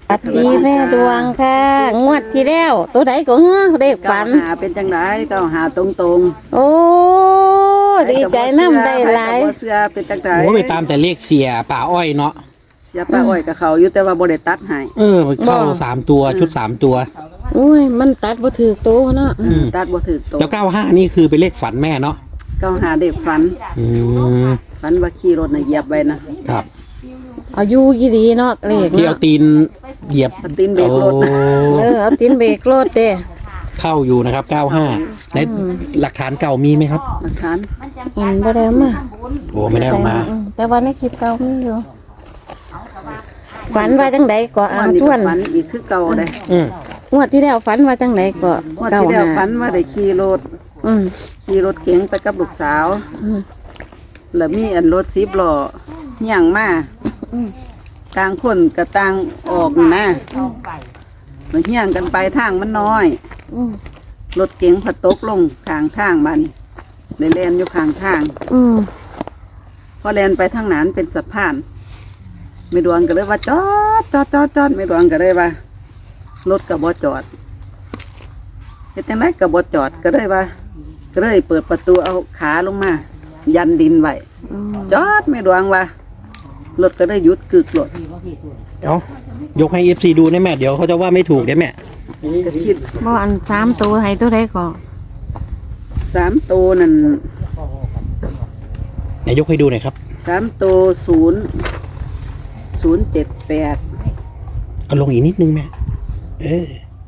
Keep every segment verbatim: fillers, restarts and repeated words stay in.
สวัสดีแม่ดวงค่ะงวดที่แล้วตัวไหนก็เฮ้อเลขฝันเก้าหาเป็นจังไดเก้าหาตรงตรงโอ้ดีใจน้ำได้หลายเสื้อเป็นจังไดโอ้ไปตามแต่เลขเสียป่าอ้อยเนาะเสียป้าอ้อยกับเขาอยู่แต่ว่าบ่ได้ตัดให้เออมันเข้าสามตัวชุดสามตัวอุ้ยมันตัดบ่ถือโตเนาะอืมตัดบ่ถูกตรงแล้วเก้าห้านี่คือเป็นเลขฝันแม่เนาะเก้าหาเด็กฝันอืมฝันว่าขี่รถน่ะเหยียบไว้นะครับอายุยี่ดีเนาะเลขที่เอาเนาะตีนเหยียบเอาตีนเบรกรถนะเออเอาตินเบรกรถเด้เข้าอยู่นะครับเก้าห้าในหลักฐานเก่ามีไหมครับหลักฐานอืมบ่ได้เอามาโอ้ไม่ได้เออกมาอืแต่ว่าในคลิปเก่ามีอยู่ฝันว่าจังไดก็อ่านทวนฝันอีกคือเก่าเลยอืมงวดที่แล้วฝันว่าจังไดก็งวดเก้าที่แล้วห้าฝันว่าได้ขี่รถอืมขี่รถเก๋งไปกับลูกสาวอืมแล้วมีอันรถสิบล้อย่างมาอืมต่างคนกับต่างออกนี่นะมันเฮี้ยงกันไปทางมันน้อยอืมรถเก๋งผัดตกลงข้างทางมันเลยแลนอยู่ข้างทางอืมพอแลนไปทางนั้นเป็นสะพานไม่ดวงก็เลยว่าจอดจอดจอดจอดไม่ดวงก็เลยว่ารถกับบอจอดเฮ็ดจังไดกับบอจอดก็เลยว่า ก็เลยเปิดประตูเอาขาลงมา ยันดินไว้อืมจอดไม่ดวงว่ารถก็ได้หยุดกึกรถเอายกให้เอฟซีดูได้แม่เดี๋ยวเขาจะว่าไม่ถูกได้แม่ก็คิดบ่อันสามตัวให้ตัวใดก็สามตัวนั่นไหนยกให้ดูหน่อยครับสามตัวศูนย์ศูนย์เจ็ดแปดเอาลงอีกนิดนึงแม่เออง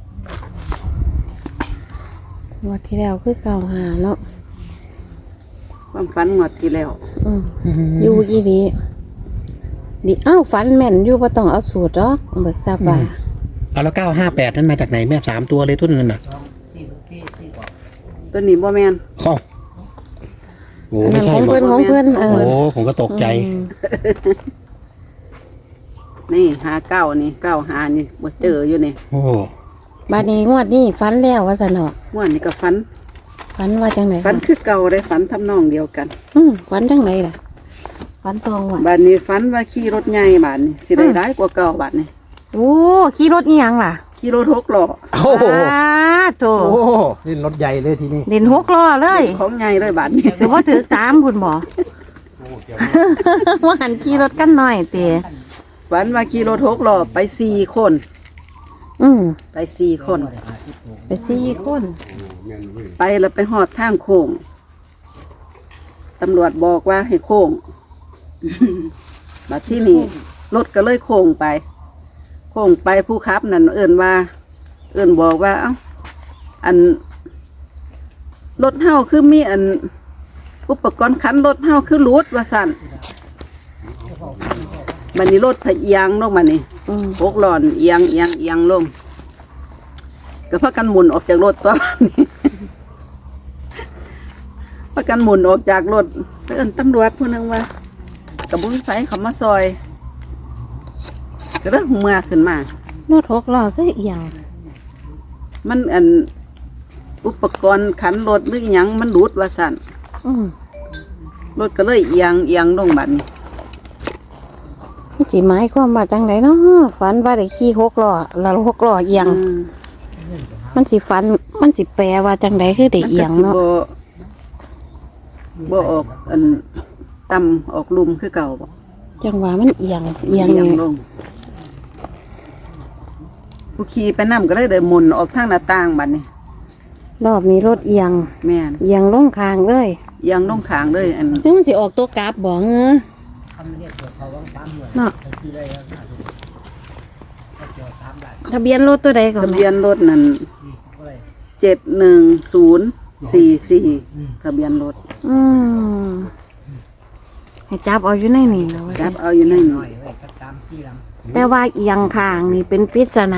วดที่แล้วคือเก้าห้าเนาะความฝันงวดที่แล้วอืมอยู่อีดีดิอ้าวฝันแม่นอยู่บ่ต้องเอาสูตรหรอกเบิกทราบว่าเอาแล้วเก้าห้าแปดนั้นมาจากไหนแม่สามตัวเลยทุนนั้นน่ะตัวนี้บ่แมนเข้าโอ้อันไม่นั้นใช่ของบอเพิ่กนของเพิ่นเอโอ้อผมก็ตกใจอืมนี่หาเก้านี่เก้าหานี่บ่เจออยู่นี่โอ้บัดนี้งวดนี้ฝันแล้วว่าซั่นเนาะงวดนี้ก็ฝันฝันว่าจังได๋ฝันคือเก่าได้ฝันทำนองเดียวกันอืมฝันจังไดล่ะฝันตองว่ะบาดนี้ฝันว่าขี่รถใหญ่บาดนี้สิได้ร้ายกว่าเก่าบาดนี้โอ้ขี่รถอีหยังล่ะขี่รถหกล้อโอ้โหอ้าโตโอ้นี่รถใหญ่เลยทีนี้เด่นหกล้อเลยของใหญ่เลยบาดนี้คือบ่ถือตามพุ่นบ่ ว่าหันขี่รถกันหน่อยเตะฝันว่าขี่รถหกล้อไปสี่คนอืมไปสี่คนไปสี่คนไปแล้วไปหอดทางโค้งตำรวจบอกว่าให้โค้ง บัดที่นี่รถก็เลยโค้งไปโค้งไปผู้ขับนั่นเอิ่นว่า เอิ่นบอกว่า เอ้าอันรถเฮาคือมีอัน อุปกรณ์คันรถเฮาคือรูดว่าสั่นบัดนี้รถพะเอียงลงมานี่อืมหกล้อนเอียงเอียงเอียงลงก็พากันหมุนออกจากรถตัวนี้ พากันหมุนออกจากรถเอิ้นตำรวจผู้หนึงว่ากระบุงไฟเขามาซอยก็เริ่มเมื่อขึ้นมารถหกล้อคืออีหยังมันอันอุปกรณ์ขันรถหรือหยังมันรูดว่าสั่นอืมรถก็เลยเอียงเอียงลงบัดนี้สิหมายความว่าจังไดเนาะฝันว่าได้ขี่หกล้อแล้วหกล้อเอียงอืมมันสิฝันมันสิแปลว่าจังไดคือได้มันเอียก็งสิเนาะบ่บ่ออกอันต่ำออกลุมคือเก่าบ่จังว่ามันเอียงเอียงเอียงลงผู้ขี่ไปนํก็เลยได้หมุนออกทางหน้าต่างบัดนี้รอบนี้รถเอียงแม่นเอียงลงคางเลยเอียงลงข้างเลยอันนี่มันสิออกตัวกราฟบ่เงอเนาะทะเบียนรถตัวใดก่อนทะเบียนรถนั่นเจ็ดหนึ่งศูนย์สี่สี่ทะเบียนรถอืมให้จับเอาอยู่ในนี่แล้วว่าจับเอาอยู่ในนี้แต่ว่าเอียงคางนี่เป็นปริศนา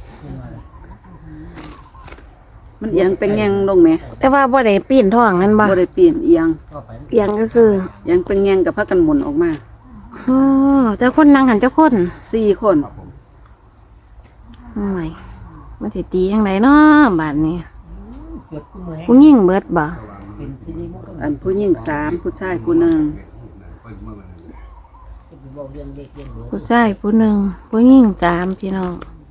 มันเอียงเป็นแงงลงไหมแต่ว่าบ่ได้ปีนท้องนั่นบ่บ่ได้เปลี่ยนเอียงเอียงก็คือเอียงเป็นแงงกับพักกันหมุนออกมาอ๋อแต่คนนั่งหันเจ้าคนสี่คนโอ้ยมันสิตีจังไดเนาะบาดนี้ผู้หญิงเบิดบ่อันผู้หญิงสามผู้ชายผู้หนึ่งผู้ชายผู้หนึ่งผู้หญิงสามพี่น้อง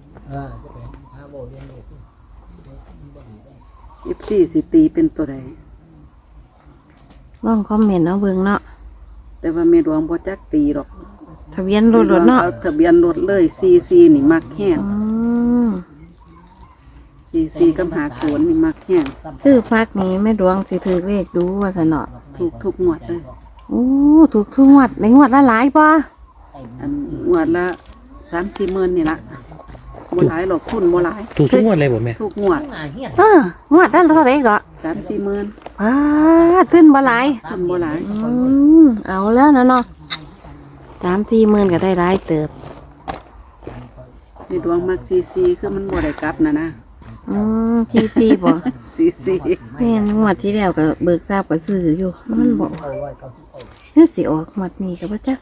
เอฟซีสิตีเป็นตัวใดลองคอมเมนต์เอาเบิ่งเนาะแต่ว่าแม่ดวงบ่จักตีหรอกทะเบียนรถรถเนาะเอาทะเบียนรถเลยซีซีนี่มักแห้งอืมซีซีกับหาศูนย์นี่มักแห้งซื้อพักนี้แม่ดวงสิถือเลขดูว่าซะเนาะถูกทุกงวดเลยโอ้ถูกทุกงวดในงวดละหลายป่ะอันงวดละสามสี่หมื่นนี่ละบ่หลายหรอกทุนบ่หลายถูกทุกงวดเลยบ่แม่ทุกงวดเอองวดละเท่าไหร่ก็สามสี่หมื่นป้าขึ้นบ่หลายทุนบ่หลายอืมเอาแล้วนะเนาะสามสี่หมื่นก็ได้หลายเติบในดวงมักซีซีคือมันบ่ได้กลับนะนะอืมที่ที่บ่ซีซีแม่นงวดที่แล้วก็เบิกทราบก็ซื้ออยู่มันบอกนี่สิออกงวดนี้ก็บ่จัก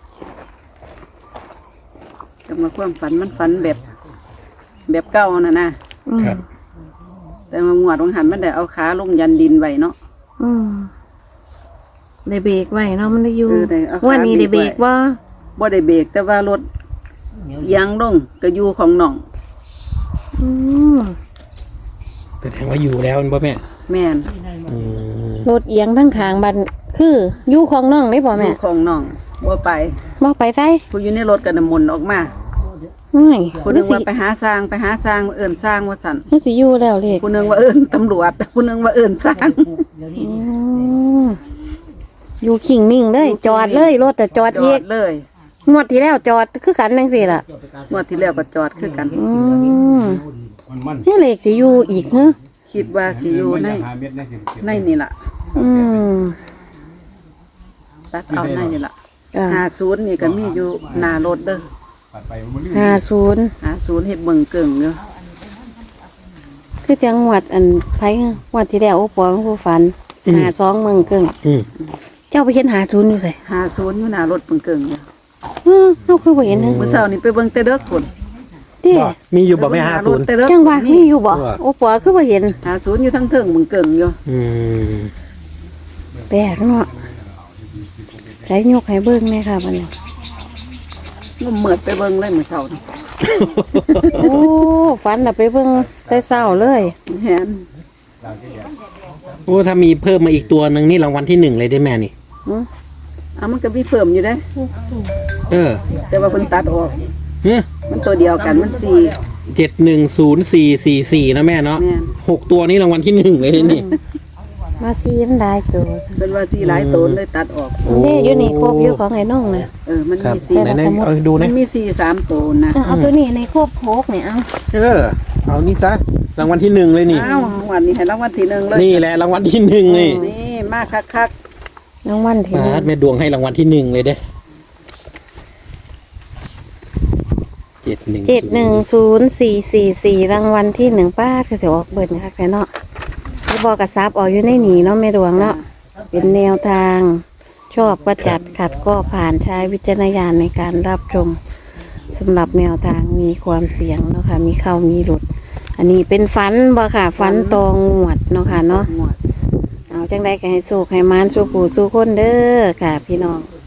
จังว่าความฝันมันฝันแบบ แบบเก่าน่ะนะอืมครับแต่ว่างวดวงหันมันได้เอาขาลงยันดินไว้เนาะอืมได้เบรกไว้เนาะมันได้อยู่เออได้เอาขางวันนี้ได้เบรกเบรกไว้บ่บ่ได้เบรกแต่ว่ารถเอียงลงก็อยู่ของน้องอืมแสดงว่าอยู่แล้วบ่แม่แม่นอืมรถเอียงทั้งข้างบันคืออยู่ของน้องได้บ่อแม่ยู่ของน้องบ่ไปบ่ไปไสผู้อยู่ในรถก็น้ำมนต์ออกมาเฮ้ยผู้หนึงว่าไปหาสร้างไปหาสร้างเอิ้นสร้างว่าซั่นมันสิอยู่แล้วเลขผู้หนึงว่าเอิ้นตำรวจผู้หนึงว่าเอิ้นสร้างอืมอยู่ขิงนิ่งเลยจอดเลยรถแต่จอดจอีอก ดเลยงวดที่แล้วจอดคือกันจังซี่ล่ะงวดที่แล้วก็จอดคือกันอืมนี่เลขสิอยู่อีกเหรอคิดว่าสิอยู่ในในนี่ล่ะอืมตัดเอาในนี่ล่ะอ่าห้าศูนย์นี่ก็มีอยู่หน้ารถเด้อห้าศูนย์ห้าศูนย์เฮ็ดเบิ่งเกิ่งอยู่คือจังหวัดอันไผงวดที่แล้วโอ้ปอมันผู้ฝันหาสองเมืองเกิงอืมเจ้าไปเห็นหาศูนย์อยู่ไสห้าศูนย์อยู่หน้ารถเบิ่งเกิ่งอยู่อือเฮาคือบ่เห็นนะมื้อเช้านี่ไปเบิ่งแต่เด้อพุ่นติบ่มีอยู่บ่แม่ห้าศูนย์แต่เด้อจังว่ามีอยู่บ่เออโอ้ปอคือบ่เห็นห้าศูนย์อยู่ทั้งเทิงเบิ่งเกิ่งอยู่อืมแปลกเนาะใช้ยกให้เบิ่งแม่ค่ะบัดนี้มันเหมือดไปเบิ่งเลยมื้อเช้านี่โอ้ฝันน่ะไปเบิ่งแต่เช้าเลยเห็นโอ้ถ้ามีเพิ่มมาอีกตัวหนึ่งนี่รางวัลที่หนึ่งเลยได้แม่นี่หึอ่ะมันก็มีเพิ่มอยู่เด้เออแต่ว่าเพิ่นตัดออกเนี่ยมันตัวเดียวกันมันสี่เจ็ดหนึ่งศูนย์สี่สี่สี่นะแม่เนาะแม่นหกตัวนี้รางวัลที่หนึ่งเลยนี่มาซีมันได้ตัวเป็นว่าสี่หลายโตนเลยตัดออกเด้อยู่นี่ครบอยู่ของไอ้น้องน่ะเออ มันครับมีสี่ไหนไหนเอาดูมันะนมีสี่สามโตนนะเอาเอาตัวนี้ในครบโคกนี่เอาเออ เอานี่ซะรางวัลที่หนึ่งเลยนี่อ้าววันนี้ให้รางวัลที่หนึ่งเลยนี่แหละรางวัลที่หนึ่งนี่นี่มากคักรางวัลที่หนึ่งปาดแม่ดวงให้รางวัลที่หนึ่งเลยเด้เจ็ดหนึ่งเจ็ดหนึ่งศูนย์สี่สี่สี่รางวัลที่หนึ่งป้าคือเสียออกเบิดนะคะแค่เนาะที่บอกกระซับออกอยู่ในหนีเนาะแม่ดวงเนาะเป็นแนวทาง ชอบก็จัดขัดก็ผ่านใช้วิจารณญาณในการรับชมสำหรับแนวทางมีความเสี่ยงเนาะค่ะมีเข้ามีหลุด อันนี้เป็นฟันบ่ค่ะฟันตองงวดเนาะค่ะเนาะๆหมวดเอาจังได้ก็ให้สู้ให้มานสู้ผู้สู้คนเด้อค่ะ พี่น้อง